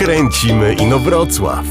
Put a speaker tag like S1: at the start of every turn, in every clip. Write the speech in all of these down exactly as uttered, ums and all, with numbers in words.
S1: Kręcimy Inowrocław.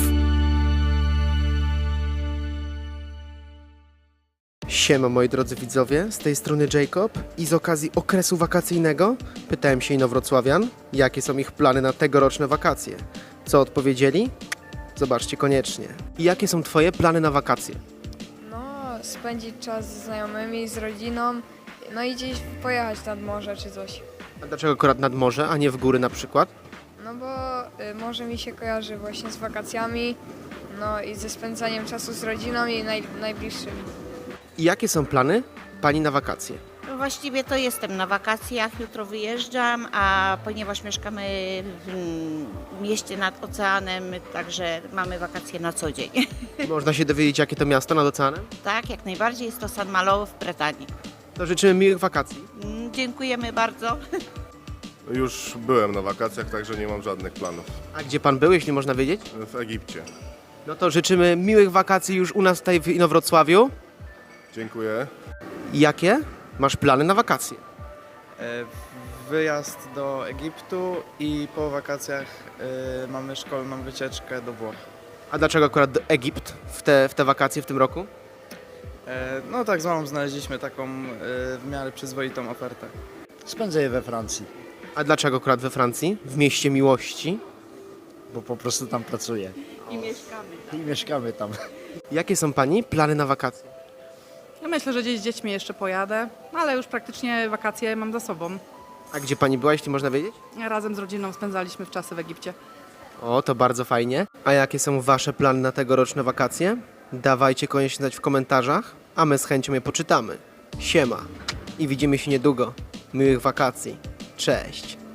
S2: Siema moi drodzy widzowie, z tej strony Jacob i z okazji okresu wakacyjnego pytałem się inowrocławian, jakie są ich plany na tegoroczne wakacje. Co odpowiedzieli? Zobaczcie koniecznie. I jakie są twoje plany na wakacje?
S3: No, spędzić czas ze znajomymi, z rodziną, no i gdzieś pojechać nad morze czy coś.
S2: A dlaczego akurat nad morze, a nie w góry na przykład?
S3: No bo y, morze mi się kojarzy właśnie z wakacjami, no i ze spędzaniem czasu z rodziną i naj, najbliższymi.
S2: I jakie są plany pani na wakacje?
S4: No właściwie to jestem na wakacjach, jutro wyjeżdżam, a ponieważ mieszkamy w mm, mieście nad oceanem, także mamy wakacje na co dzień.
S2: Można się dowiedzieć, jakie to miasto nad oceanem?
S4: Tak, jak najbardziej jest to Saint Malo w Bretanii.
S2: To życzymy miłych wakacji.
S4: Mm, Dziękujemy bardzo.
S5: Już byłem na wakacjach, także nie mam żadnych planów.
S2: A gdzie pan był, jeśli można wiedzieć?
S5: W Egipcie.
S2: No to życzymy miłych wakacji już u nas tutaj w Inowrocławiu.
S5: Dziękuję.
S2: Jakie masz plany na wakacje?
S6: E, Wyjazd do Egiptu i po wakacjach e, mamy szkolną wycieczkę do Włoch.
S2: A dlaczego akurat Egipt w te, w te wakacje w tym roku?
S6: E, No tak z mamą znaleźliśmy taką e, w miarę przyzwoitą ofertę.
S7: Spędzę je we Francji,
S2: A dlaczego akurat we Francji? W mieście miłości?
S7: bo po prostu tam pracuję
S4: I mieszkamy.
S7: i mieszkamy tam.
S2: Jakie są pani plany na wakacje?
S8: Ja myślę, że gdzieś z dziećmi jeszcze pojadę, ale już praktycznie wakacje mam za sobą.
S2: A gdzie pani była, jeśli można wiedzieć?
S8: Razem z rodziną spędzaliśmy w czasy w Egipcie.
S2: O, to bardzo fajnie. A jakie są wasze plany na tegoroczne wakacje? Dawajcie koniecznie znać w komentarzach, a my z chęcią je poczytamy. Siema i widzimy się niedługo. Miłych wakacji. Cześć.